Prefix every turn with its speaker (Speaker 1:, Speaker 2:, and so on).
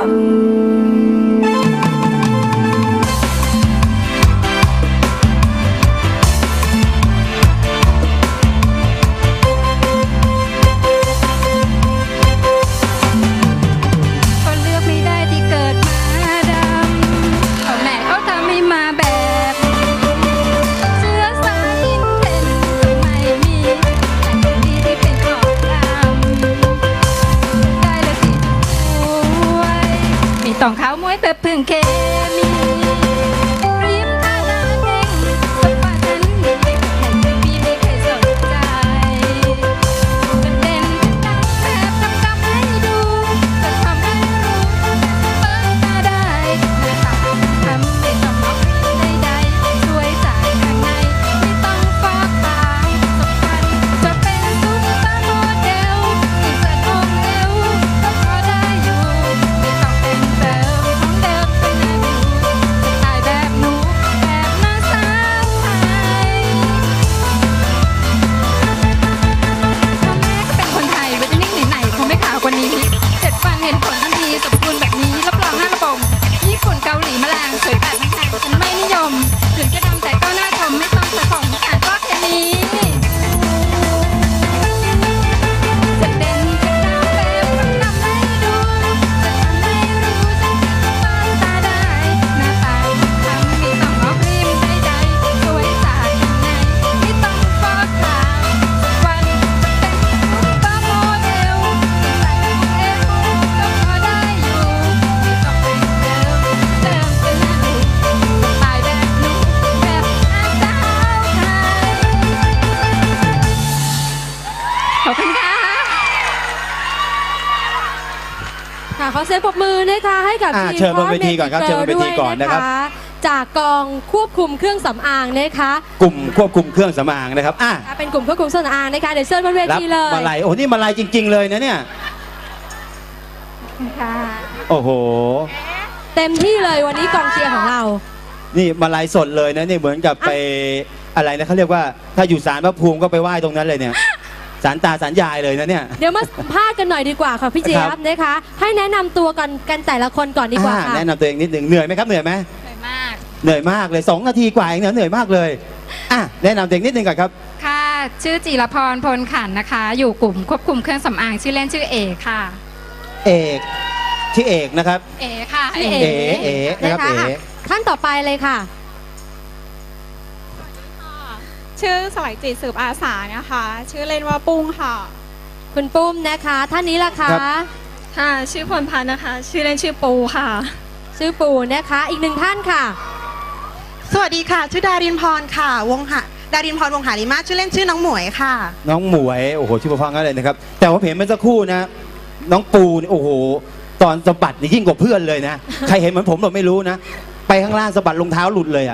Speaker 1: ต้องข้าวมวยแบบพึ่งเคมีริมท่าน้ำเองสมบัติฉันมีแข่งปีไม่เคยสนใจเป็นเด่นดังแบบทำให้ดูจะทำให้รู้เปิดตาได้หน้าตาทำไม่ต้องมองใดๆช่วยจากข้างในไม่ต้องฟอกตาสำคัญจะเป็นซุปเปอร์โมเดลที่เสร็จองค์เอวก็พอได้อยู่ไม่ต้องเป็นเซลล์ของเดิมเป็นนาดูจะถ่ายแบบหนูแบบนางสาวไทยพ่อแม่ก็เป็นคนไทยวิตามินไหนๆคงไม่ขาวกว่านี้7 วันเห็นผลทันทีสมบูรณ์แบบนี้รับรอง5 ระบบญี่ปุ่นเกาหลีมะแรงสวยแบบแพงฉันไม่นิยมถึงจะดำแต่ก็น่าชมไม่ต้องใส่ของอ่านก็แค่นี้จะเด่นจะดังแบบทำให้ดูจะทำให้รู้จะเปิดตาได้หน้าตาทำไม่ต้องออกริมใดๆสวยจากข้างในไม่ต้องฟอกขาวสักวันจะเป็นซุปเปอร์โมเดลใส่ของเอวก็พอได้อยู่ไม่ต้องเป็นเซลล์เดิมเป็นหน้าดูสไตล์แบบหนูแบบนางสาวไทยขอบคุณค่ะ
Speaker 2: ค่ะขอเสียงปรบมือนะคะให้กับทีม
Speaker 3: เชิญบนเวทีก่อนครับเชิญบนเวทีก่อนนะครับ
Speaker 2: จากกองควบคุมเครื่องสำอางนะคะ
Speaker 3: กลุ่มควบคุมเครื่องสำอางนะครับ
Speaker 2: เป็นกลุ่มควบคุมเครื่องสำอางนะคะเดี๋ยวเชิญบนเว
Speaker 3: รับ
Speaker 2: ทีเลย
Speaker 3: มาลัยโอ้นี่มาลัยจริง ๆ เลยนะเนี่ย
Speaker 1: ค่ะ
Speaker 3: โอ้โห
Speaker 2: เต็มที่เลยวันนี้กองเชียร์ของเรา
Speaker 3: นี่มาลัยสดเลยนะนี่เหมือนกับไปอะไรนะเขาเรียกว่าถ้าอยู่ศาลพระภูมิก็ไปไหว้ตรงนั้นเลยเนี่ยศาลตาศาลยายเลยนะเนี่ย
Speaker 2: เดี๋ยวมาสัมภาษณ์กันหน่อยดีกว่าค่ะพี่เจี๊ยบนะคะ ให้แนะนำตัวกันแต่ละคนก่อนดีกว่าค่ะ
Speaker 3: แนะนำตัวเองนิดหนึ่งเหนื่อยไหมครับเหนื่อยไหม
Speaker 1: สวยมาก
Speaker 3: เหนื่อยมากเลย2 นาทีกว่าเองเหนื่อยมากเลยแนะนำตัวเองนิดหนึ่งก่อนครับ
Speaker 1: ค่ะ ชื่อจิรพรพลขันธ์นะคะ อยู่กลุ่มควบคุมเครื่องสำอางชื่อเล่นชื่อเอค่ะ
Speaker 3: เอกที่เอกนะครับ
Speaker 1: เอค่ะ
Speaker 2: พี่
Speaker 3: เอนะครับ
Speaker 2: นะคะ
Speaker 3: เอ
Speaker 2: ท่านต่อไปเลยค่ะ
Speaker 4: ชื่อสวัยจิตสืบอาสานะคะ ชื่อเล่นว่าปุ้งค่ะ
Speaker 2: คุณปุ้มนะคะท่านนี้ล่ะคะ
Speaker 4: ค่ะ ชื่อพลพันธ์นะคะ ชื่อเล่นชื่อปูค่ะ
Speaker 2: ชื่อปูนะคะอีกหนึ่งท่านค่ะ
Speaker 5: สวัสดีค่ะ ชื่อดารินพรค่ะดารินพรวงหาริมาชื่อเล่นชื่อน้องหมวยค่ะ
Speaker 3: น้องหมวยโอ้โหชื่อฟังกันเลยนะครับแต่ว่าเห็นเมื่อสักครู่นะน้องปูนี่โอ้โหตอนสะบัดนี่ยิ่งกว่าเพื่อนเลยนะใครเห็นเหมือนผมหรอไม่รู้นะไปข้างล่างสะบัดรองเท้าหลุดเลย